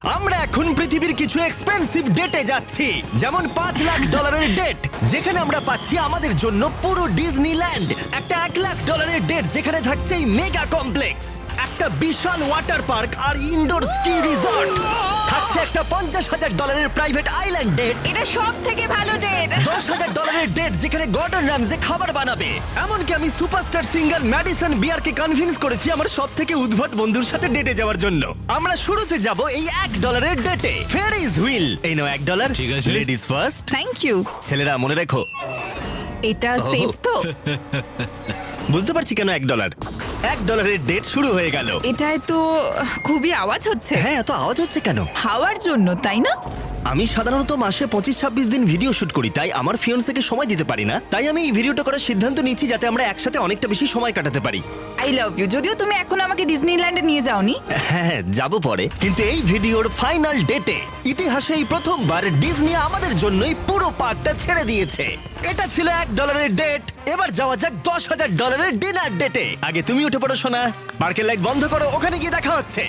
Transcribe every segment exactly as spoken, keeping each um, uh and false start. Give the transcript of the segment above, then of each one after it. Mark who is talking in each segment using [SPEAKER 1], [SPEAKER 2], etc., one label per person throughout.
[SPEAKER 1] আমরা এখন পৃথিবীর কিছু এক্সপেন্সিভ ডেটে যাচ্ছি, যেমন পাঁচ লাখ ডলারের ডেট যেখানে আমরা পাচ্ছি আমাদের জন্য পুরো ডিজনিল্যান্ড, একটা এক লাখ ডলারের ডেট যেখানে থাকছে এই মেগা কমপ্লেক্স, একটা বিশাল ওয়াটার পার্ক আর ইনডোর স্কি রিসর্ট, থাকছে একটা পঞ্চাশ হাজার ডলারের প্রাইভেট আইল্যান্ড ডেট,
[SPEAKER 2] এটা সব থেকে ভালো ডেট।
[SPEAKER 1] দশ হাজার ডলারের ডেট যেখানে গর্ডন র্যামজে খাবার বানাবে। এমনকি আমি সুপারস্টার সিঙ্গার ম্যাডিসন বিয়ারকে কনভিন্স করেছি আমার সব থেকে উদ্ভট বন্ধুর সাথে ডেটে যাওয়ার জন্য। আমরা শুরুতে যাব এই এক ডলারের ডেটে, ফেয়ারিজ হুইল। এই নাও এক ডলার,
[SPEAKER 3] ঠিক আছে।
[SPEAKER 1] Ladies first.
[SPEAKER 2] Thank you.
[SPEAKER 1] ছেলেরা মনে রেখো,
[SPEAKER 2] এটা সেফ তো?
[SPEAKER 1] বুঝতে পারছি কেন এক ডলার। এক ডলারের ডেট শুরু হয়ে গেল।
[SPEAKER 2] এটায় তো খুবই আওয়াজ হচ্ছে।
[SPEAKER 1] হ্যাঁ, এত আওয়াজ হচ্ছে কেন?
[SPEAKER 2] হাওয়ার জন্য, তাই না?
[SPEAKER 1] আমি সাধারণত মাসে পঁচিশ ছাব্বিশ দিন ভিডিও শুট করি, তাই আমার ফিয়ন্সকে সময় দিতে পারি না। তাই আমি এই ভিডিওটা করার সিদ্ধান্ত নিয়েছি যাতে আমরা একসাথে অনেকটা বেশি সময় কাটাতে পারি।
[SPEAKER 2] I love you. যদিও তুমি এখন আমাকে ডিজনিল্যান্ডে নিয়ে যাওনি।
[SPEAKER 1] হ্যাঁ, যাব পরে। কিন্তু এই ভিডিওর ফাইনাল ডেটে ইতিহাসে এই প্রথমবার ডিজনি আমাদের জন্যই পুরো পার্কটা ছেড়ে দিয়েছে। এটা ছিল এক ডলারের ডেট। এবার যাওয়া যাক দশ হাজার ডলারের ডিনার ডেটে। আগে তুমি উঠে পড়ো সোনা, পার্কের লাইট বন্ধ করো, ওখানে গিয়ে দেখা হচ্ছে।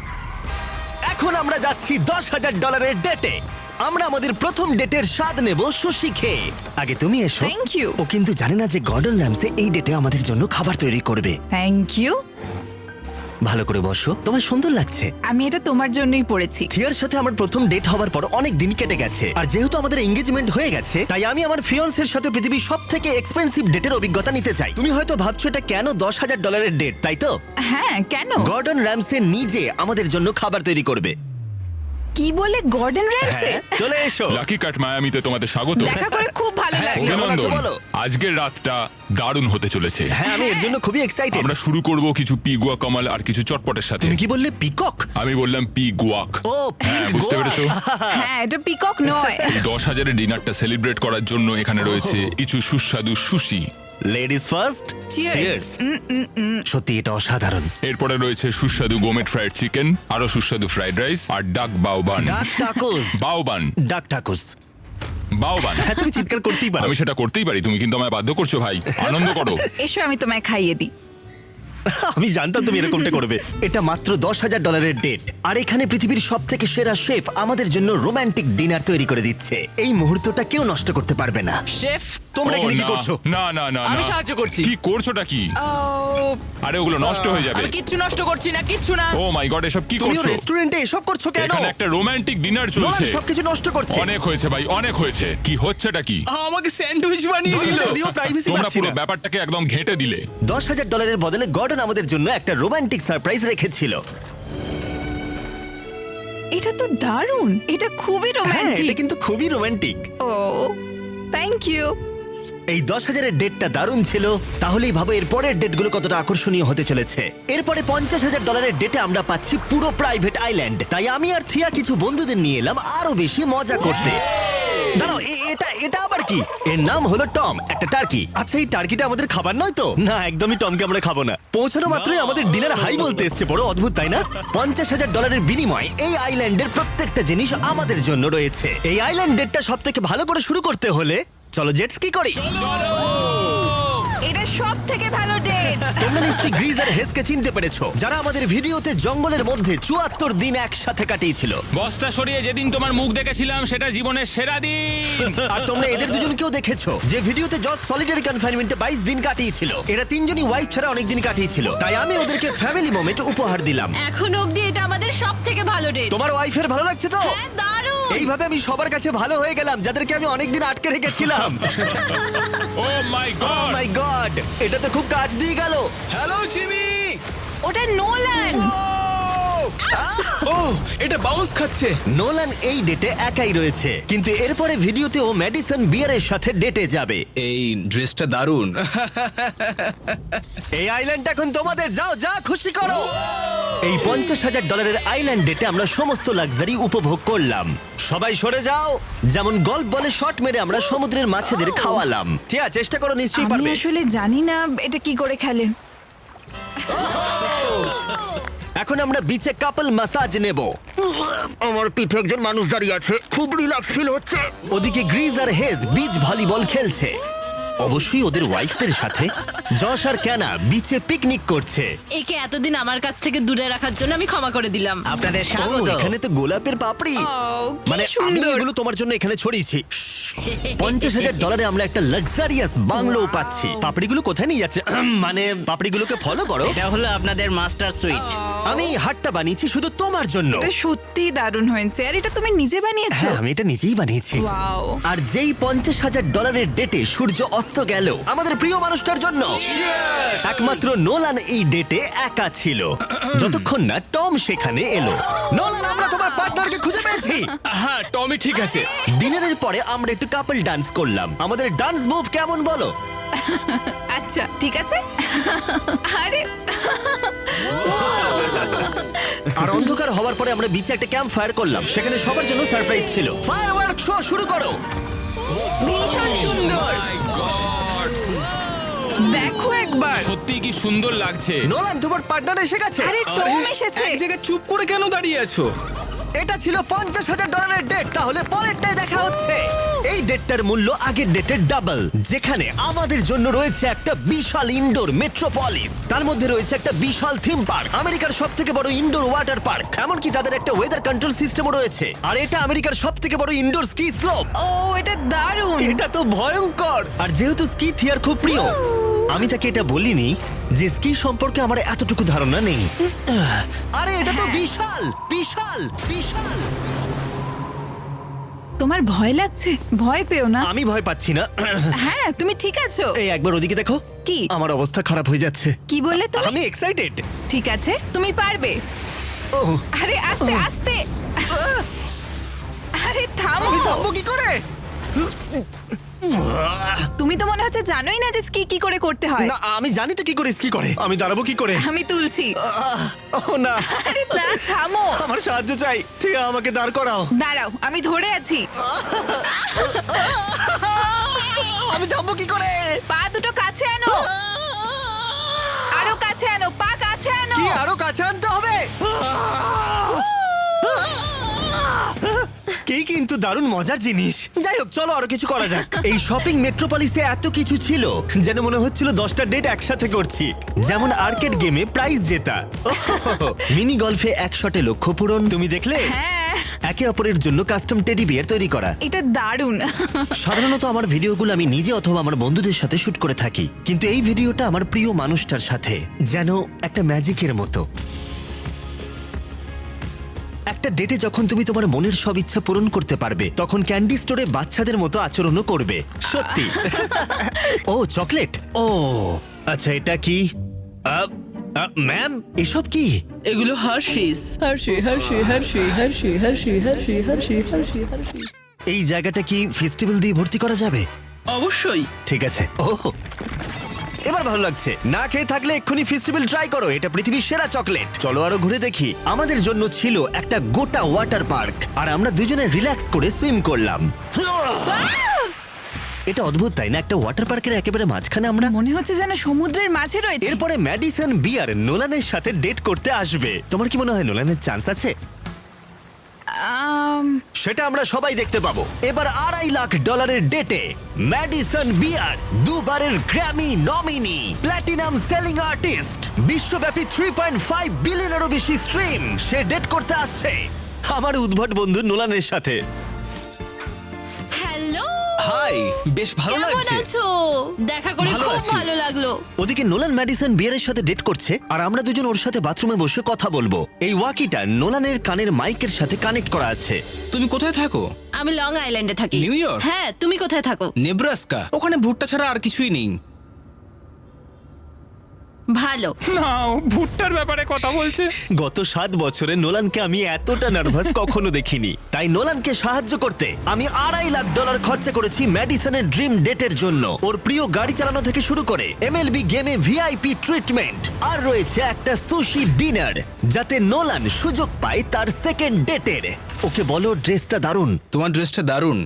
[SPEAKER 1] এখন আমরা যাচ্ছি দশ হাজার ডলারের ডেটে। আমরা আমাদের প্রথম ডেটের স্বাদ নেব সুশি খেয়ে। আগে তুমি এসো।
[SPEAKER 2] Thank you.
[SPEAKER 1] ও কিন্তু জানে না যে গর্ডন র্যামসে এই ডেটে আমাদের জন্য খাবার তৈরি করবে।
[SPEAKER 2] Thank you.
[SPEAKER 1] ভালো করে বসো, তোমার সুন্দর লাগছে।
[SPEAKER 2] আমি এটা তোমার জন্যই পড়েছি।
[SPEAKER 1] থিয়ার সাথে আমার প্রথম ডেট হওয়ার পর অনেক দিন কেটে গেছে, আর যেহেতু আমাদের এঙ্গেজমেন্ট হয়ে গেছে, তাই আমি আমার ফিয়ন্সের সাথে পৃথিবীর সব থেকে এক্সপেন্সিভ ডেটের অভিজ্ঞতা নিতে চাই। তুমি হয়তো ভাবছো এটা কেন দশ হাজার ডলারের ডেট, তাই তো?
[SPEAKER 2] হ্যাঁ, কেন?
[SPEAKER 1] গর্ডন র্যামসে নিজে আমাদের জন্য খাবার তৈরি করবে।
[SPEAKER 2] কি বলে, গর্ডন র্যামসে?
[SPEAKER 1] হ্যাঁ, চলে এসো।
[SPEAKER 4] লাকি কাট মায়ামিতে তোমাদের স্বাগত।
[SPEAKER 2] দেখা করে খুব ভালো
[SPEAKER 1] হ্যাঁ,
[SPEAKER 2] লাগলো।
[SPEAKER 1] কেমন আছো
[SPEAKER 4] অভিনন্দন।
[SPEAKER 1] বলো?
[SPEAKER 4] আজকের রাতটা দারুণ হতে চলেছে।
[SPEAKER 1] হ্যাঁ, আমি এর জন্য খুবই এক্সাইটেড।
[SPEAKER 4] আমরা শুরু করব কিছু পিগুয়া কামাল আর কিছু চটপটের সাথে।
[SPEAKER 1] তুমি কি বললে, পিকক?
[SPEAKER 4] আমি বললাম পি গুয়াক।
[SPEAKER 1] ও,
[SPEAKER 4] হ্যাঁ,
[SPEAKER 1] পিক
[SPEAKER 4] বুঝতে
[SPEAKER 1] গোয়া।
[SPEAKER 4] পেরেছো?
[SPEAKER 2] হ্যাঁ, এটা পিকক নয়।
[SPEAKER 4] এই দশ হাজারের ডিনারটা সেলিব্রেট করার জন্য এখানে রয়েছে কিছু সুস্বাদু সুশি।
[SPEAKER 1] Ladies first.
[SPEAKER 2] Cheers.
[SPEAKER 1] সত্যি এটা অসাধারণ।
[SPEAKER 4] এরপরে রয়েছে সুস্বাদু গোমেট ফ্রাইড চিকেন, আরো সুস্বাদু ফ্রাইড রাইস আর ডাক বাউবান।
[SPEAKER 1] ডাক টাকুস।
[SPEAKER 4] বাউবান
[SPEAKER 1] ডাক টাকুস।
[SPEAKER 4] বাউবান।
[SPEAKER 1] হ্যাঁ, তুমি চিৎকার করতেই পারো।
[SPEAKER 4] আমি সেটা করতেই পারি, তুমি কিন্তু আমায় বাধ্য করছো ভাই। আনন্দ করো।
[SPEAKER 2] এসো, আমি তোমায় খাইয়ে দিই।
[SPEAKER 1] আমি জানতাম তুমি এরকমটা করবে। এটা মাত্র দশ হাজার ডলারের ডেট, আর এখানে পৃথিবীর সব থেকে সেরা শেফ আমাদের জন্য রোমান্টিক ডিনার তৈরি করে দিচ্ছে। এই মুহূর্তটা কেউ নষ্ট করতে পারবে না।
[SPEAKER 5] শেফ,
[SPEAKER 1] তোমরা
[SPEAKER 4] ও,
[SPEAKER 1] এখানে কি
[SPEAKER 4] না,
[SPEAKER 1] করছো?
[SPEAKER 4] না না না
[SPEAKER 5] আমি
[SPEAKER 4] না।
[SPEAKER 5] সাহায্য করছি।
[SPEAKER 4] কি করছোটা কি?
[SPEAKER 2] ও,
[SPEAKER 4] আরে ওগুলো নষ্ট হয়ে যাবে।
[SPEAKER 5] আমি কিচ্ছু নষ্ট করছি না, কিচ্ছু না।
[SPEAKER 4] ও মাই গড, এসব কি
[SPEAKER 1] তুমিও
[SPEAKER 4] করছো?
[SPEAKER 1] রেস্টুরেন্টে এসব করছো কেন?
[SPEAKER 4] এখানে একটা রোমান্টিক ডিনার
[SPEAKER 1] নোলান
[SPEAKER 4] চলছে।
[SPEAKER 1] সবকিছু নষ্ট করছে।
[SPEAKER 4] অনেক হয়েছে ভাই, অনেক হয়েছে। কি হচ্ছেটা কি?
[SPEAKER 5] আমাকে স্যান্ডউইচ বানিয়ে
[SPEAKER 1] দশ
[SPEAKER 5] দিল।
[SPEAKER 1] হাজার দিয়েও privacy
[SPEAKER 4] তোমরা
[SPEAKER 1] পাচ্ছি
[SPEAKER 4] পুরো
[SPEAKER 1] না।
[SPEAKER 4] ব্যাপারটাকে একদম ঘেঁটে দিলে।
[SPEAKER 1] দশ হাজার ডলারের বদলে গর্ডন আমাদের জন্য একটা রোমান্টিক সারপ্রাইজ রেখেছিল।
[SPEAKER 2] এটা তো দারুণ। এটা খুবই
[SPEAKER 1] হ্যাঁ, এটা
[SPEAKER 2] রোমান্টিক।
[SPEAKER 1] কিন্তু খুবই রোমান্টিক।
[SPEAKER 2] O, thank you.
[SPEAKER 1] এই দশ হাজারের ডেটটা দারুণ ছিল। তাহলেই ভাবো এর পরের ডেটগুলো কতটা আকর্ষণীয় হতে চলেছে। এরপরে পঞ্চাশ হাজার ডলারের ডেটে আমরা পাচ্ছি পুরো প্রাইভেট আইল্যান্ড। তাই আমি আর থিয়া কিছু বন্ধুদের নিয়ে এলাম আরো বেশি মজা করতে। দাঁড়াও, এ- এটা এটা আবার কি? এর নাম হলো টম, একটা টার্কি। আচ্ছা, এই টার্কিটা আমাদের খাবার নয় তো? না, একদমই টমকে আমরা খাবো না। পৌঁছানো মাত্রই আমাদের ডিনার হাই বলতে এসছে। বড় অদ্ভুত, তাই না? পঞ্চাশ হাজার ডলারের বিনিময়ে এই আইল্যান্ডের প্রত্যেকটা জিনিস আমাদের জন্য রয়েছে। এই আইল্যান্ড ডেটটা সব থেকে ভালো করে শুরু করতে হলে চলো জেট স্কি করি।
[SPEAKER 2] এটা সব থেকে ভালো ডেট।
[SPEAKER 1] তোমরা নিশ্চয়ই গ্রিজ আর হেসকে চিনতে পেরেছো, যারা আমাদের ভিডিওতে জঙ্গলের মধ্যে চুয়াত্তর দিন একসাথে কাটিয়েছিল।
[SPEAKER 3] বস্তা সরিয়ে যেদিন তোমার মুখ দেখেছিলাম সেটা জীবনের সেরা দিন।
[SPEAKER 1] আর তোমরা এদের দুজনকেও দেখেছো, যে ভিডিওতে জজ সলিটারি কনফাইনমেন্টে বাইশ দিন কাটিয়েছিল। এরা তিনজনই ওয়াইফ ছাড়া অনেক দিন কাটিয়েছিল, তাই আমি ওদেরকে ফ্যামিলি মোমেন্ট উপহার দিলাম।
[SPEAKER 6] এখন অবধি এটা আমাদের সব থেকে ভালো ডেট।
[SPEAKER 1] তোমার ওয়াইফের ভালো লাগছে তো?
[SPEAKER 6] হ্যাঁ, দারুণ।
[SPEAKER 1] এইভাবে আমি সবার কাছে ভালো হয়ে গেলাম যাদেরকে আমি অনেকদিন আটকে রেখেছিলাম।
[SPEAKER 4] ও মাই
[SPEAKER 1] ও
[SPEAKER 4] গড।
[SPEAKER 1] মাই গড, এটা তো খুব কাজ দিয়ে গেল।
[SPEAKER 5] Hello Jimmy.
[SPEAKER 2] ওটা নোলান।
[SPEAKER 5] ও, এটা বাউন্স খাচ্ছে।
[SPEAKER 1] নোলান এই ডেটে একাই রয়েছে, কিন্তু এরপরে ভিডিওতে ও ম্যাডিসন বিয়ারের সাথে ডেটে যাবে।
[SPEAKER 5] এই ড্রেসটা দারুণ।
[SPEAKER 1] এই আইল্যান্ড এখন তোমাদের, যাও যা খুশি করো। এই পঞ্চাশ হাজার ডলারের আইল্যান্ড ডেটে আমরা সমস্ত লাক্সারি উপভোগ করলাম। সবাই সরে যাও। যেমন গল্ফ বলে শট মেরে আমরা সমুদ্রের মাছেদের খাওয়ালাম। ঠিক আছে, চেষ্টা করো, নিশ্চয়ই
[SPEAKER 2] আমি
[SPEAKER 1] পারবে।
[SPEAKER 2] আসলে জানি না এটা কি করে খেলে।
[SPEAKER 1] এখন আমরা বিচে কাপল ম্যাসাজ নেব। আমার পিঠে একজন মানুষ দাঁড়িয়ে আছে, খুব রিল্যাক্স ফিল হচ্ছে। ওদিকে গ্রিজ আর হেজ বিচ ভলিবল খেলছে। অবশ্যই ওদের ওয়াইফদের সাথে। যশ আর ক্যানা বিচে পিকনিক করছে।
[SPEAKER 6] একে এতদিন আমার কাছ থেকে দূরে রাখার জন্য আমি ক্ষমা করে দিলাম।
[SPEAKER 7] আপনাদের
[SPEAKER 1] ও,
[SPEAKER 7] স্বাগত।
[SPEAKER 1] এখানে তো গোলাপের পাপড়ি।
[SPEAKER 2] ও, কি
[SPEAKER 1] মানে আমি
[SPEAKER 2] সুন্দর।
[SPEAKER 1] এগুলো তোমার জন্য এখানে ছড়িয়েছি। পঞ্চাশ হাজার ডলারে আমরা একটা লাক্সারিয়াস বাংলো পাচ্ছি। পাপড়িগুলো কোথায় নিয়ে যাচ্ছে? আহম, মানে পাপড়িগুলোকে ফলো করো।
[SPEAKER 7] এটা হলো আপনাদের মাস্টার সুইট।
[SPEAKER 1] আমি এই হাটটা বানিয়েছি শুধু তোমার জন্য।
[SPEAKER 2] এটা সত্যি দারুণ হয়েছে। আর এটা তুমি নিজে বানিয়েছো?
[SPEAKER 1] হ্যাঁ, আমি এটা নিজেই বানিয়েছি।
[SPEAKER 2] ওয়াও।
[SPEAKER 1] আর যেই পঞ্চাশ হাজার ডলারের ডেটে সূর্য অস্ত গেল আমাদের প্রিয় মানুষটার জন্য, একমাত্র নোলান এই ডেটে একা ছিল, যতক্ষণ না টম সেখানে এলো। নোলান, আমরা তোমার পার্টনারকে খুঁজে পেয়েছি।
[SPEAKER 5] হ্যাঁ টমি ঠিক আছে।
[SPEAKER 1] ডিনারের পরে আমরা একটু কাপল ডান্স করলাম। আমাদের ডান্স মুভ কেমন বলো?
[SPEAKER 2] আচ্ছা ঠিক আছে। আরে
[SPEAKER 1] আর অন্ধকার হওয়ার পরে আমরা বিচে একটা ক্যাম্প ফায়ার করলাম। সেখানে সবার জন্য সারপ্রাইজ ছিল। ফায়ারওয়ার্ক শো শুরু করো।
[SPEAKER 2] ভীষণ সুন্দর। দেখো একবার।
[SPEAKER 3] সত্যি কি সুন্দর লাগছে।
[SPEAKER 1] নোলান, তোমার পার্টনার এসে গেছে।
[SPEAKER 2] আরে টম এসেছে।
[SPEAKER 5] এক জায়গায় চুপ করে কেন দাঁড়িয়ে আছো?
[SPEAKER 1] এটা ছিল পঞ্চাশ হাজার ডলারের ডেট। তাহলে পরেরটাই দেখা হচ্ছে। এই ডেটটার মূল্য আগের ডেটের ডাবল, যেখানে আমাদের জন্য রয়েছে একটা বিশাল ইনডোর মেট্রোপলিস। তার মধ্যে রয়েছে একটা বিশাল থিম পার্ক, আমেরিকার সব থেকে বড় ইনডোর ওয়াটার পার্ক। এমনকি তাদের একটা ওয়েদার কন্ট্রোল সিস্টেমও রয়েছে। আর এটা আমেরিকার সব থেকে বড় ইনডোর স্কি স্লোপ।
[SPEAKER 2] ও এটা দারুণ।
[SPEAKER 1] এটা তো ভয়ঙ্কর। আর যেহেতু স্কি থিয়ার খুব প্রিয়, আমি তাকে এটা বলিনি যে স্কি সম্পর্কে আমার এতটুকু ধারণা নেই। আরে এটা তো বিশাল বিশাল বিশাল।
[SPEAKER 2] তোমার ভয় লাগছে? ভয় পেও না।
[SPEAKER 1] আমি ভয় পাচ্ছি না।
[SPEAKER 2] হ্যাঁ তুমি ঠিক আছো।
[SPEAKER 1] এই একবার ওদিকে দেখো।
[SPEAKER 2] কি?
[SPEAKER 1] আমার অবস্থা খারাপ হয়ে যাচ্ছে।
[SPEAKER 2] কি বললে তুমি?
[SPEAKER 1] আমি এক্সাইটেড।
[SPEAKER 2] ঠিক আছে তুমি পারবে।
[SPEAKER 1] ও,
[SPEAKER 2] আরে আস্তে আস্তে। আরে থামো।
[SPEAKER 1] আমি থামবো কি করে?
[SPEAKER 2] তুমি তো মনে হচ্ছে জানোই না যে স্কি কি করে করতে হয়।
[SPEAKER 1] না, আমি জানি তো কি করে স্কি করে। আমি দাঁড়াবো কি করে?
[SPEAKER 2] আমি তুলছি।
[SPEAKER 1] আহ, ও না,
[SPEAKER 2] আরে না থামো।
[SPEAKER 1] আমার সাহায্য চাই। ঠিক আমাকে দাঁড় করাও।
[SPEAKER 2] দাঁড়াও আমি ধরে আছি।
[SPEAKER 1] আমি থামবো কি করে?
[SPEAKER 2] পা দুটো কাছে আনো। আরো কাছে আনো, পা কাছে আনো।
[SPEAKER 1] কি আরো কাছে আনতে হবে? কি কিন্তু দারুণ মজার জিনিস। যাই হোক, চলো আরো কিছু করা যাক। এই শপিং মেট্রোপলিসে এত কিছু ছিল যেন মনে হচ্ছিল দশটা ডেট একসাথে করছি। যেমন আর্কেড গেমে প্রাইজ জেতা, মিনি গলফে এক শটে লক্ষ্য পূরণ। তুমি দেখলে?
[SPEAKER 2] হ্যাঁ
[SPEAKER 1] একে অপরের জন্য কাস্টম টেডি বিয়ার তৈরি করা।
[SPEAKER 2] এটা দারুণ।
[SPEAKER 1] সাধারণত আমার ভিডিওগুলো আমি নিজে অথবা আমার বন্ধুদের সাথে শুট করে থাকি, কিন্তু এই ভিডিওটা আমার প্রিয় মানুষটার সাথে, যেন একটা ম্যাজিকের মতো। একটা ডেটে যখন তুমি তোমার মনের সব ইচ্ছা পূরণ করতে পারবে, তখন ক্যান্ডি স্টোরে বাচ্চাদের মতো আচরণও করবে। সত্যি। ও চকলেট। ও আচ্ছা, এটা কি? ম্যাম, এসব কি?
[SPEAKER 8] এগুলো Hershey's Hershey Hershey Hershey Hershey Hershey Hershey Hershey Hershey Hershey
[SPEAKER 1] এই জায়গাটা কি ফেস্টিভ্যাল দিয়ে ভর্তি করা যাবে?
[SPEAKER 8] অবশ্যই।
[SPEAKER 1] ঠিক আছে। ও এবার ভালো লাগছে। না খেয়ে থাকলে এক্ষুনি ফেস্টিভ্যাল ট্রাই করো। এটা পৃথিবীর সেরা চকলেট। চলো আরো ঘুরে দেখি। আমাদের জন্য ছিল একটা গোটা ওয়াটার পার্ক, আর আমরা দুজনে রিল্যাক্স করে সুইম করলাম। এটা অদ্ভুত তাই না? একটা ওয়াটার পার্কের একেবারে মাঝখানে আমরা।
[SPEAKER 2] মনে হচ্ছে যেন সমুদ্রের মাঝে রয়েছে।
[SPEAKER 1] এরপরে ম্যাডিসন বিয়ার নোলানের সাথে ডেট করতে আসবে। তোমার কি মনে হয় নোলানের চান্স আছে?
[SPEAKER 2] আম,
[SPEAKER 1] সেটা আমরা সবাই দেখতে পাবো। এবার আড়াই লাখ ডলারের ডেটে ম্যাডিসন বিয়ার, দুবারের Grammy nominee, platinum selling artist, বিশ্বব্যাপী থ্রি পয়েন্ট ফাইভ বিলিয়নেরও বেশি স্ট্রিম, সে ডেট করতে আসছে আমার উদ্ভট বন্ধু নোলানের সাথে।
[SPEAKER 6] হ্যালো
[SPEAKER 5] হাই, বেশ ভালো
[SPEAKER 6] কেমন
[SPEAKER 5] লাগছে।
[SPEAKER 6] আছো? দেখা করে
[SPEAKER 5] ভালো
[SPEAKER 6] খুব
[SPEAKER 5] আছি।
[SPEAKER 6] ভালো লাগলো।
[SPEAKER 1] ওদিকে নোলান ম্যাডিসন বিয়ারের সাথে ডেট করছে, আর আমরা দুজন ওর সাথে বাথরুমে বসে কথা বলবো। এই ওয়াকিটা নোলানের কানের মাইকের সাথে কানেক্ট করা আছে।
[SPEAKER 5] তুমি কোথায় থাকো?
[SPEAKER 6] আমি লং আইল্যান্ডে থাকি।
[SPEAKER 5] New York?
[SPEAKER 6] হ্যাঁ তুমি কোথায় থাকো?
[SPEAKER 5] নেব্রাস্কা। ওখানে ভুট্টা ছাড়া আর কিছুই নেই।
[SPEAKER 6] ভালো।
[SPEAKER 3] না, ও ভুট্টার ব্যাপারে কথা বলছে।
[SPEAKER 1] গত সাত বছরে নোলানকে আমি এতটা নার্ভাস কখনো দেখিনি। তাই নোলানকে সাহায্য করতে আমি আড়াই লাখ ডলার খরচা করেছি ম্যাডিসনের ড্রিম ডেটের জন্য। ওর প্রিয় গাড়ি চালানো থেকে শুরু করে এমএলবি গেমে ভিআইপি ট্রিটমেন্ট, আর রয়েছে একটা সুশি ডিনার, যাতে নোলান সুযোগ পায় তার সেকেন্ড ডেটের। ওকে বলো ড্রেসটা দারুণ।
[SPEAKER 5] তোমার ড্রেসটা দারুণ।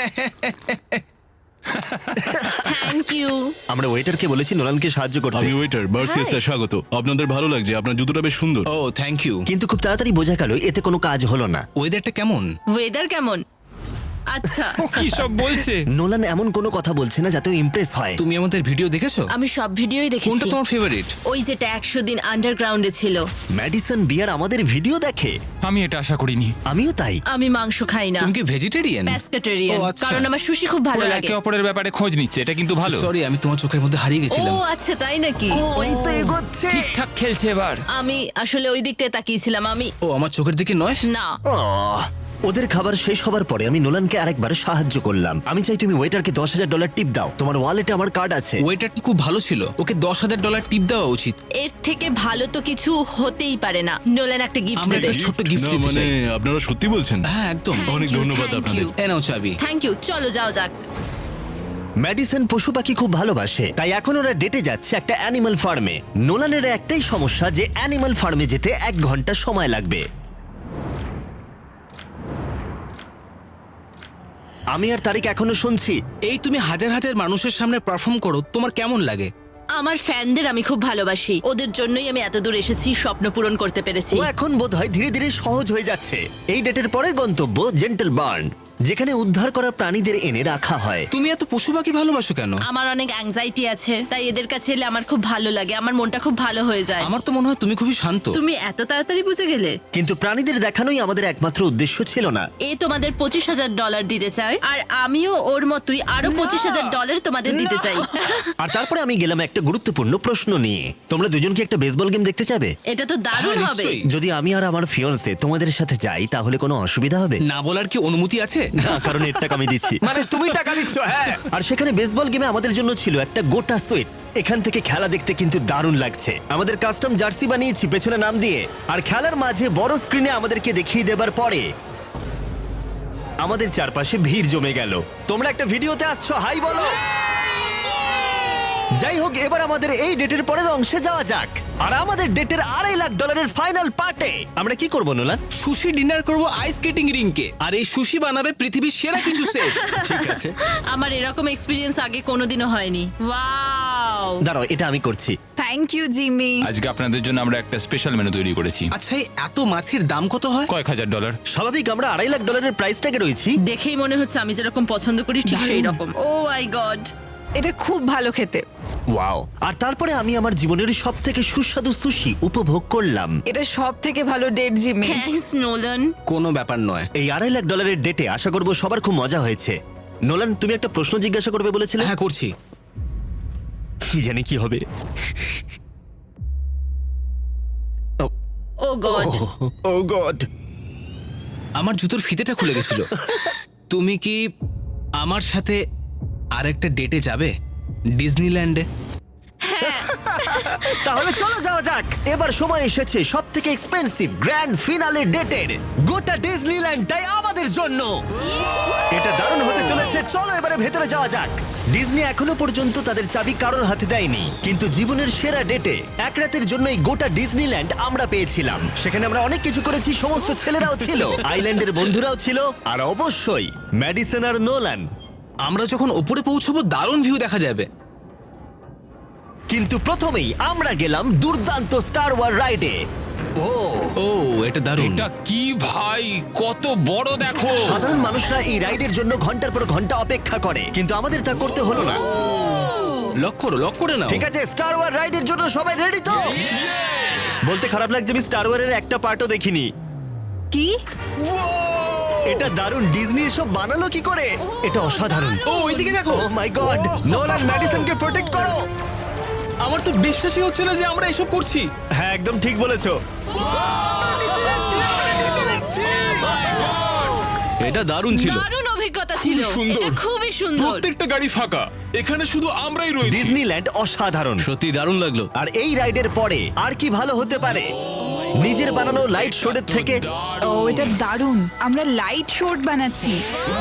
[SPEAKER 6] Thank you.
[SPEAKER 1] আমরা ওয়েটারকে বলেছি নোলানকে সাহায্য করতে,
[SPEAKER 9] আমি ওয়েটার বার্সিয়াসে স্বাগত। আপনাদের ভালো লাগছে, আপনার জুতোটা বেশ সুন্দর।
[SPEAKER 5] Oh thank you.
[SPEAKER 1] কিন্তু খুব তাড়াতাড়ি বোঝা গেল এতে কোনো কাজ হলো না।
[SPEAKER 5] ওয়েদারটা কেমন?
[SPEAKER 6] ওয়েদার কেমন? আচ্ছা
[SPEAKER 3] ও কি সব বলছে?
[SPEAKER 1] নোলান এমন কোনো কথা বলছে না যাতে ইমপ্রেস হয়।
[SPEAKER 5] তুমি আমাদের ভিডিও দেখেছো?
[SPEAKER 6] আমি সব ভিডিওই
[SPEAKER 5] কোনটা
[SPEAKER 6] দেখেছি।
[SPEAKER 5] তোমার ফেভারিট?
[SPEAKER 6] ওই যেটা একশো দিন আন্ডারগ্রাউন্ডে ছিল।
[SPEAKER 1] ম্যাডিসন বিয়ার আমাদের ভিডিও দেখে।
[SPEAKER 3] আমি এটা আশা করিনি।
[SPEAKER 1] আমিও তাই।
[SPEAKER 6] আমি মাংস খাই না,
[SPEAKER 5] তুমি কি ভেজিটেরিয়ান?
[SPEAKER 6] প্যাস্কেটেরিয়ান,
[SPEAKER 5] ও, আচ্ছা।
[SPEAKER 6] কারণ আমার সুশি খুব ভালো
[SPEAKER 3] ওরা
[SPEAKER 6] লাগে।
[SPEAKER 3] একে অপরের ব্যাপারে খোঁজ নিচ্ছে, এটা কিন্তু ভালো।
[SPEAKER 5] সরি, আমি তোমার চোখের মধ্যে হারিয়ে
[SPEAKER 6] ও
[SPEAKER 5] গেছিলাম।
[SPEAKER 6] আচ্ছা, তাই নাকি?
[SPEAKER 1] ও এই তো এগোচ্ছে।
[SPEAKER 3] ঠিকঠাক খেলছে এবার।
[SPEAKER 6] আমি আসলে ওই দিকটায় তাকিয়েছিলাম। আমি
[SPEAKER 5] ও আমার চোখের দিকে নয়।
[SPEAKER 6] না,
[SPEAKER 1] আহ, ওদের খাবার শেষ হবার পরে আমি নোলানকে আরেকবার সাহায্য করলাম। আমি চাই তুমি ওয়েটারকে দশ হাজার ডলার টিপ দাও। তোমার ওয়ালেটে আমার কার্ড আছে।
[SPEAKER 5] ওয়েটারটা খুব ভালো ছিল, ওকে দশ হাজার ডলার টিপ দেওয়া উচিত।
[SPEAKER 6] এর থেকে ভালো তো কিছু হতেই পারে না। নোলান একটা গিফট
[SPEAKER 5] আমরা
[SPEAKER 6] দেবে।
[SPEAKER 5] একটা ছোট্ট গিফট
[SPEAKER 9] না,
[SPEAKER 5] দিতে
[SPEAKER 9] মানে
[SPEAKER 5] চাই।
[SPEAKER 9] আপনারা সত্যি বলছেন?
[SPEAKER 5] হ্যাঁ একদম।
[SPEAKER 9] অনেক ধন্যবাদ আপনাদের।
[SPEAKER 5] এ নাও চাবি।
[SPEAKER 6] Thank you. চলো যাও যাক।
[SPEAKER 1] ম্যাডিসন পশু পাখি খুব ভালোবাসে, তাই এখন ওরা ডেটে যাচ্ছে একটা অ্যানিমাল ফার্মে। নোলানের একটাই সমস্যা যে অ্যানিমাল ফার্মে যেতে এক ঘন্টা সময় লাগবে। আমি আর তারিক এখনো শুনছি।
[SPEAKER 5] এই তুমি হাজার হাজার মানুষের সামনে পারফর্ম করো, তোমার কেমন লাগে?
[SPEAKER 6] আমার ফ্যানদের আমি খুব ভালোবাসি। ওদের জন্যই আমি এত দূর এসেছি, স্বপ্ন পূরণ করতে পেরেছি।
[SPEAKER 1] ও এখন বোধহয় ধীরে ধীরে সহজ হয়ে যাচ্ছে। এই ডেটের পরের গন্তব্য জেন্টল বার্ন, যেখানে উদ্ধার করা প্রাণীদের এনে রাখা হয়।
[SPEAKER 5] তুমি এত পশু পাখি ভালোবাসো কেন?
[SPEAKER 6] আমার অনেক অ্যাংজাইটি আছে, তাই এদের কাছে এলে আমার খুব ভালো লাগে। আমার মনটা খুব ভালো হয়ে যায়।
[SPEAKER 5] আমার তো মনে হয় তুমি খুবই শান্ত।
[SPEAKER 6] তুমি এত তাড়াতাড়ি বুঝে গেলে?
[SPEAKER 1] কিন্তু প্রাণীদের দেখানোই আমাদের একমাত্র উদ্দেশ্য ছিল না।
[SPEAKER 6] এ তোমাদের পঁচিশ হাজার ডলার দিতে চায়, আর আমিও ওর মতোই আরো পঁচিশ হাজার ডলার তোমাদের দিতে চাই।
[SPEAKER 1] আর তারপরে আমি গেলাম একটা গুরুত্বপূর্ণ প্রশ্ন নিয়ে। তোমরা দুজন কি একটা বেসবল গেম দেখতে চাবে?
[SPEAKER 6] এটা তো দারুণ
[SPEAKER 5] হ্যাঁ,
[SPEAKER 6] হবে।
[SPEAKER 5] নিশ্চয়ই।
[SPEAKER 1] যদি আমি আর আমার ফিয়ন্সে তোমাদের সাথে যাই তাহলে কোনো অসুবিধা হবে?
[SPEAKER 5] না বলার কি অনুমতি আছে?
[SPEAKER 1] না, কারণ এর টাকা আমি দিচ্ছি। মানে তুমি টাকা দিচ্ছ? হ্যাঁ। আর সেখানে বেসবল গেমে আমাদের জন্য ছিল একটা গোটা সুইট। এখান থেকে খেলা দেখতে কিন্তু দারুণ লাগছে। আমাদের কাস্টম জার্সি বানিয়েছি পেছনে নাম দিয়ে, আর খেলার মাঝে বড় স্ক্রিনে আমাদেরকে দেখিয়ে দেবার পরে আমাদের চারপাশে ভিড় জমে গেল। তোমরা একটা ভিডিওতে আসছো, হাই বলো। যাই হোক, এবার আমাদের এই ডেটের পরের অংশে যাওয়া যাক। আর আমাদের ডেটের আড়াই লাখ ডলারের ফাইনাল পার্টে আমরা কি করবো নোলান?
[SPEAKER 5] সুশি ডিনার করব আইস স্কেটিং রিংকে, আর এই সুশি বানাবে পৃথিবীর সেরা কিছু সেফ।
[SPEAKER 1] ঠিক আছে,
[SPEAKER 6] আমার এরকম এক্সপিরিয়েন্স আগে কোনোদিনও হয়নি। ওয়াও!
[SPEAKER 1] দাঁড়াও, এটা আমি করছি।
[SPEAKER 2] Thank you Jimmy.
[SPEAKER 3] আজকে আপনাদের জন্য আমরা একটা স্পেশাল মেনু তৈরি করেছি।
[SPEAKER 5] আচ্ছা, এই এত মাছের দাম কত হয়?
[SPEAKER 3] কয়েক হাজার ডলার।
[SPEAKER 1] স্বাভাবিক, আমরা আড়াই লাখ ডলারের প্রাইস ট্যাগে রয়েছি।
[SPEAKER 6] দেখেই মনে হচ্ছে আমি যেরকম পছন্দ করি ঠিক সেই রকম। Oh my God!
[SPEAKER 2] এটা খুব ভালো খেতে।
[SPEAKER 1] ওয়াও! আর তারপরে আমি আমার জীবনের সব থেকে সুস্বাদু সুশি উপভোগ করলাম।
[SPEAKER 2] এটা সব থেকে ভালো ডেট জিমি।
[SPEAKER 6] Thanks Nolan.
[SPEAKER 5] কোনো ব্যাপার নয়।
[SPEAKER 1] এই আড়াই লাখ ডলারের ডেটে আশা করবো সবার খুব মজা হয়েছে। নোলান, তুমি একটা প্রশ্ন জিজ্ঞাসা করবে বলেছিলে।
[SPEAKER 5] হ্যাঁ করছি।
[SPEAKER 1] কি জানি কি হবে।
[SPEAKER 6] Oh God!
[SPEAKER 1] Oh God!
[SPEAKER 5] আমার জুতোর ফিতেটা খুলে গেছিল। তুমি কি আমার সাথে আরেকটা ডেটে যাবে ডিজনিল্যান্ডে?
[SPEAKER 1] তাহলে চলো যাওয়া যাক। এবার সময় এসেছে সব থেকে এক্সপেন্সিভ গ্র্যান্ড ফিনালে ডেটের। গোটা ডিজনিল্যান্ডটাই আমাদের জন্য। এটা দারুণ হতে চলেছে। চলো এবারে ভেতরে যাওয়া যাক। ডিজনি এখনো পর্যন্ত তাদের চাবি কারোর হাতে দেয়নি, কিন্তু জীবনের সেরা ডেটে এক রাতের জন্য এই গোটা ডিজনিল্যান্ড আমরা পেয়েছিলাম। সেখানে আমরা অনেক কিছু করেছি, সমস্ত ছেলেরাও ছিল, আইল্যান্ডের বন্ধুরাও ছিল, আর অবশ্যই ম্যাডিসন আর নোলান।
[SPEAKER 5] আমরা যখন ওপরে পৌঁছবো দারুণ ভিউ দেখা যাবে।
[SPEAKER 1] কিন্তু প্রথমেই আমরা গেলাম দুর্দান্ত স্টার ওয়ার রাইডে। ও
[SPEAKER 5] ও এটা দারুণ।
[SPEAKER 3] এটা কি ভাই, কত বড় দেখো।
[SPEAKER 1] সাধারণ মানুষরা এই রাইডের জন্য ঘন্টার পর ঘন্টা অপেক্ষা করে, কিন্তু আমাদের তা করতে হলো না।
[SPEAKER 5] লক করো, লক করে নাও।
[SPEAKER 1] ঠিক আছে, স্টার ওয়ার রাইডের জন্য সবাই রেডি তো? বলতে খারাপ লাগছে, আমি স্টার ওয়ারের একটা পার্টও দেখিনি।
[SPEAKER 2] কি?
[SPEAKER 1] এটা দারুণ। ডিজনি এসব বানালো কি করে? এটা অসাধারণ।
[SPEAKER 5] ও ওইদিকে দেখো।
[SPEAKER 1] Oh my God! নোলান, ম্যাডিসনকে প্রোটেক্ট করো।
[SPEAKER 5] আমার তো বিশ্বাসই হচ্ছে না যে আমরা এসব করছি।
[SPEAKER 1] হ্যাঁ, একদম ঠিক বলেছো।
[SPEAKER 5] এটা দারুণ ছিল।
[SPEAKER 6] দারুণ অভিজ্ঞতা ছিল।
[SPEAKER 9] সুন্দর।
[SPEAKER 6] এটা খুবই সুন্দর।
[SPEAKER 9] প্রত্যেকটা গাড়ি ফাঁকা, এখানে শুধু আমরাই রয়েছি।
[SPEAKER 1] ডিজনিল্যান্ড অসাধারণ।
[SPEAKER 5] সত্যি দারুণ লাগলো।
[SPEAKER 1] আর এই রাইডের পরে আর কি ভালো হতে পারে নিজের বানানো লাইট শোডের থেকে?
[SPEAKER 2] ও এটা দারুণ। আমরা লাইট শর্ট বানাচ্ছি।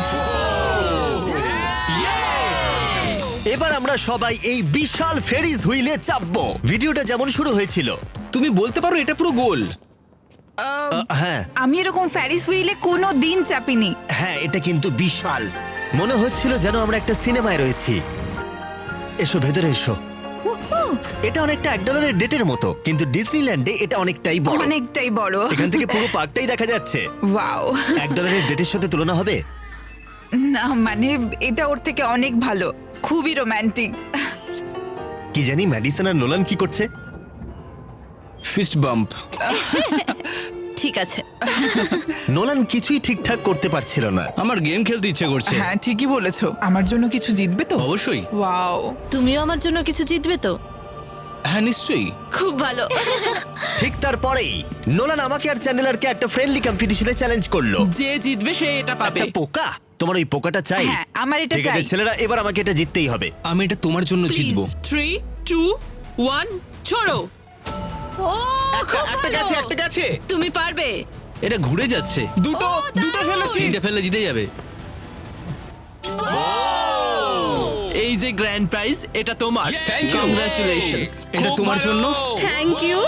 [SPEAKER 1] এবার আমরা সবাই এই বিশাল ফেরিস হুইলে চাপবো। ভিডিওটা যেমন শুরু হয়েছিল।
[SPEAKER 5] তুমি বলতে পারো এটা পুরো গোল।
[SPEAKER 1] আহ, হ্যাঁ
[SPEAKER 2] আমি এরকম ফ্যারিস হুইলে কোনো দিন চাপিনি।
[SPEAKER 1] হ্যাঁ, এটা কিন্তু বিশাল। মনে হচ্ছিল যেন আমরা একটা সিনেমায় রয়েছি। এসো ভেতরে এসো। এটা অনেকটা এক ডলারের ডেটের মতো, কিন্তু ডিজনিল্যান্ডে এটা অনেকটাই বড়।
[SPEAKER 2] অনেকটাই বড়।
[SPEAKER 1] এখান থেকে পুরো পার্কটাই দেখা যাচ্ছে।
[SPEAKER 2] ওয়াও!
[SPEAKER 1] এক ডলারের ডেটের সাথে তুলনা হবে?
[SPEAKER 2] না মানে এটা ওর থেকে অনেক ভালো, খুবই রোমান্টিক।
[SPEAKER 1] কি জানি ম্যাডিসন আর নোলান কি করছে।
[SPEAKER 5] Fist bump.
[SPEAKER 6] ঠিক আছে।
[SPEAKER 1] নোলান কিছুই ঠিকঠাক করতে পারছিল না।
[SPEAKER 5] আমার গেম খেলতে ইচ্ছে করছে।
[SPEAKER 10] হ্যাঁ ঠিকই বলেছো, আমার জন্য কিছু জিতবে তো?
[SPEAKER 5] অবশ্যই।
[SPEAKER 10] ওয়াও,
[SPEAKER 6] তুমিও আমার জন্য কিছু জিতবে তো?
[SPEAKER 5] হ্যাঁ নিশ্চয়ই।
[SPEAKER 6] খুব ভালো।
[SPEAKER 1] ঠিক তারপরেই নোলান আমাকে আর চ্যানেলারকে একটা ফ্রেন্ডলি কম্পিটিশনে চ্যালেঞ্জ করলো।
[SPEAKER 10] যে জিতবে সে এটা পাবে।
[SPEAKER 1] একটা পোকা? তোমার ওই পোকাটা চাই?
[SPEAKER 2] হ্যাঁ, আমার এটা
[SPEAKER 1] ঠিক আছে
[SPEAKER 2] চাই।
[SPEAKER 1] ছেলেরা, এবার আমাকে এটা জিততেই হবে।
[SPEAKER 5] আমি এটা তোমার জন্য
[SPEAKER 10] প্লিজ
[SPEAKER 5] জিতবো।
[SPEAKER 10] থ্রি টু ওয়ান ছোড়ো।
[SPEAKER 6] ও খুব
[SPEAKER 5] একটা
[SPEAKER 6] ভালো।
[SPEAKER 5] গেছে, একটা গেছে।
[SPEAKER 6] তুমি পারবে।
[SPEAKER 5] এটা ঘুরে যাচ্ছে। দুটো, দুটো ফেলেছি। তিনটে ফেললে জিতে যাবে।
[SPEAKER 10] এই যে গ্র্যান্ড প্রাইজ, এটা তোমার।
[SPEAKER 5] Thank you.
[SPEAKER 10] কংগ্রাচুলেশনস।
[SPEAKER 5] এটা তোমার জন্য।
[SPEAKER 6] Thank you.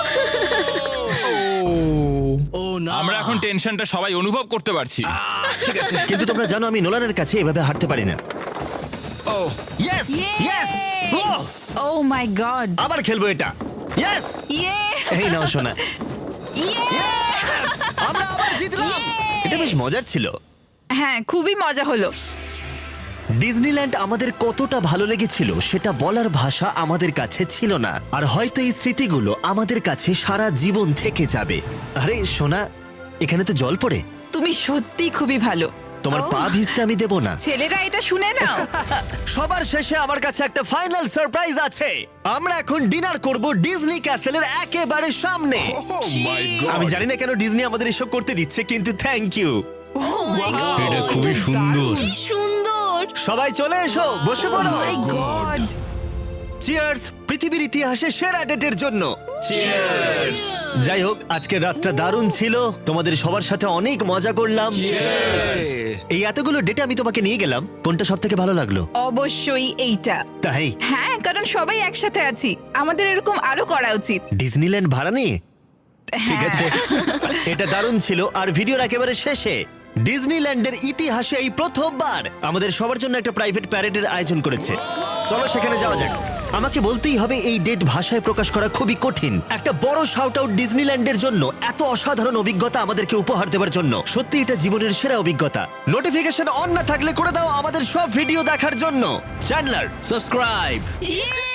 [SPEAKER 5] ও না,
[SPEAKER 3] আমরা এখন টেনশনটা সবাই অনুভব করতে পারছি।
[SPEAKER 5] ঠিক আছে।
[SPEAKER 1] কিন্তু তোমরা জানো আমি নোলানের কাছে এভাবে হারতে পারি না।
[SPEAKER 5] Oh
[SPEAKER 1] yes yes,
[SPEAKER 2] oh my God.
[SPEAKER 1] আবার খেলবো এটা। ইয়েস,
[SPEAKER 2] ইয়ে
[SPEAKER 1] এই নাও শোনা।
[SPEAKER 2] ইয়ে
[SPEAKER 1] Yes! আমরা আবার জিতলাম। এটা বেশ মজার ছিল।
[SPEAKER 2] হ্যাঁ, খুবই মজা হলো।
[SPEAKER 1] ডিজনিল্যান্ড আমাদের কতটা ভালো লেগেছিল সেটা বলার ভাষা আমাদের কাছে ছিল না। আর হয়তো এই স্মৃতিগুলো আমাদের কাছে সারা জীবন থেকে যাবে। আরে সোনা, এখানে তো জল পড়ে।
[SPEAKER 2] তুমি সত্যি খুবই ভালো।
[SPEAKER 1] তোমার
[SPEAKER 2] ও,
[SPEAKER 1] পা ভিজতে আমি দেব না।
[SPEAKER 2] ছেলেরা এটা শুনে নাও।
[SPEAKER 1] সবার শেষে আমার কাছে একটা ফাইনাল সারপ্রাইজ আছে। আমরা এখন ডিনার করব ডিজনি ক্যাসেলের একেবারে সামনে। আমি জানি না কেন ডিজনি আমাদের এসব করতে দিচ্ছে, কিন্তু thank you.
[SPEAKER 2] Oh my God,
[SPEAKER 5] এটা খুবই সুন্দর।
[SPEAKER 6] কি সুন্দর।
[SPEAKER 1] সবাই চলে এসো, বসে পড়ো।
[SPEAKER 2] মাই গড।
[SPEAKER 1] চিয়ার্স পৃথিবীর ইতিহাসে সেরা ডেটের জন্য। যাই হোক, আজকের রাতটা দারুণ ছিল। তোমাদের সবার সাথে অনেক মজা করলাম। এই এতগুলো ডেটে আমি তোমাকে নিয়ে গেলাম, কোনটা সব থেকে ভালো লাগলো?
[SPEAKER 2] অবশ্যই এইটা।
[SPEAKER 1] তাই
[SPEAKER 2] হ্যাঁ, কারণ সবাই একসাথে আছি, আমাদের এরকম আরো করা উচিত।
[SPEAKER 1] ডিজনিল্যান্ড ভাড়া নিয়ে? ঠিক
[SPEAKER 2] হ্যাঁ।
[SPEAKER 1] আছে, এটা দারুণ ছিল। আর ভিডিওর একেবারে শেষে ডিজনিল্যান্ডের ইতিহাসে এই প্রথমবার আমাদের সবার জন্য একটা প্রাইভেট প্যারেডের আয়োজন করেছে। চলো সেখানে যাওয়া যাক। আমাকে বলতেই হবে এই ডেট ভাষায় প্রকাশ করা খুবই কঠিন। একটা বড় শাউট আউট ডিজনিল্যান্ডের জন্য, এত অসাধারণ অভিজ্ঞতা আমাদেরকে উপহার দেওয়ার জন্য। সত্যি এটা জীবনের সেরা অভিজ্ঞতা। নোটিফিকেশন অন না থাকলে করে দাও আমাদের সব ভিডিও দেখার জন্য। Chandler
[SPEAKER 5] subscribe.
[SPEAKER 6] Yay!